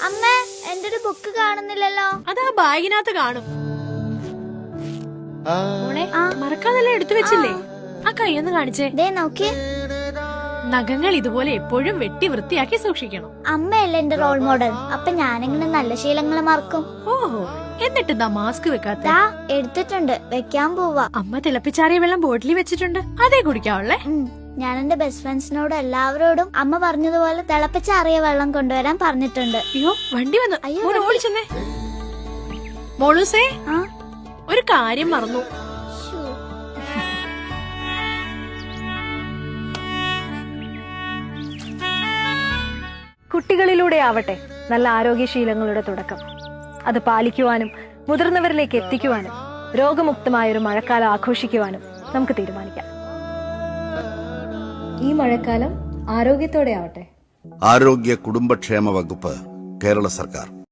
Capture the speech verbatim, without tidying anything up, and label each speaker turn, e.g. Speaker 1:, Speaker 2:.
Speaker 1: അമ്മ എന്റെ ഒരു ബുക്ക് കാണുന്നില്ലല്ലോ.
Speaker 2: അതാ ബാഗിനകത്ത് കാണും. മോളെ മറക്കാതെല്ലാം എടുത്തു വെച്ചില്ലേ? ആ കൈയൊന്ന് കാണിച്ചേ.
Speaker 1: ദേ നോക്കി.
Speaker 2: നഖങ്ങൾ ഇതുപോലെ എപ്പോഴും വെട്ടി വൃത്തിയാക്കി സൂക്ഷിക്കണം.
Speaker 1: അമ്മയല്ലേ എന്റെ റോൾ മോഡൽ. അപ്പൊ ഞാനിങ്ങനെ നല്ല ശീലങ്ങൾ മറക്കും.
Speaker 2: ഓഹോ, എന്നിട്ട് എന്താ മാസ്ക് വെക്കാത്ത?
Speaker 1: എടുത്തിട്ടുണ്ട്, വെക്കാൻ പോവാ.
Speaker 2: അമ്മ തിളപ്പിച്ചാറിയ വെള്ളം ബോട്ടിലിൽ വെച്ചിട്ടുണ്ട്, അതേ കുടിക്കാവുള്ളേ.
Speaker 1: ഞാൻ എന്റെ ബെസ്റ്റ് ഫ്രണ്ട്സിനോട് എല്ലാവരോടും അമ്മ പറഞ്ഞതുപോലെ തിളപ്പിച്ചാറിയ വെള്ളം കൊണ്ടുവരാൻ പറഞ്ഞിട്ടുണ്ട്.
Speaker 2: അയ്യോ, വണ്ടി വന്നു. ഓടിച്ചെന്നേ. മോളൂസേ, ഒരു കാര്യം മറന്നു.
Speaker 3: കുട്ടികളിലൂടെ ആവട്ടെ നല്ല ആരോഗ്യശീലങ്ങളുടെ തുടക്കം. അത് പാലിക്കുവാനും മുതിർന്നവരിലേക്ക് എത്തിക്കുവാനും രോഗമുക്തമായൊരു മഴക്കാലം ആഘോഷിക്കുവാനും നമുക്ക് തീരുമാനിക്കാം. ഈ മഴക്കാലം ആരോഗ്യത്തോടെ ആവട്ടെ.
Speaker 4: ആരോഗ്യ കുടുംബക്ഷേമ വകുപ്പ്, കേരള സർക്കാർ.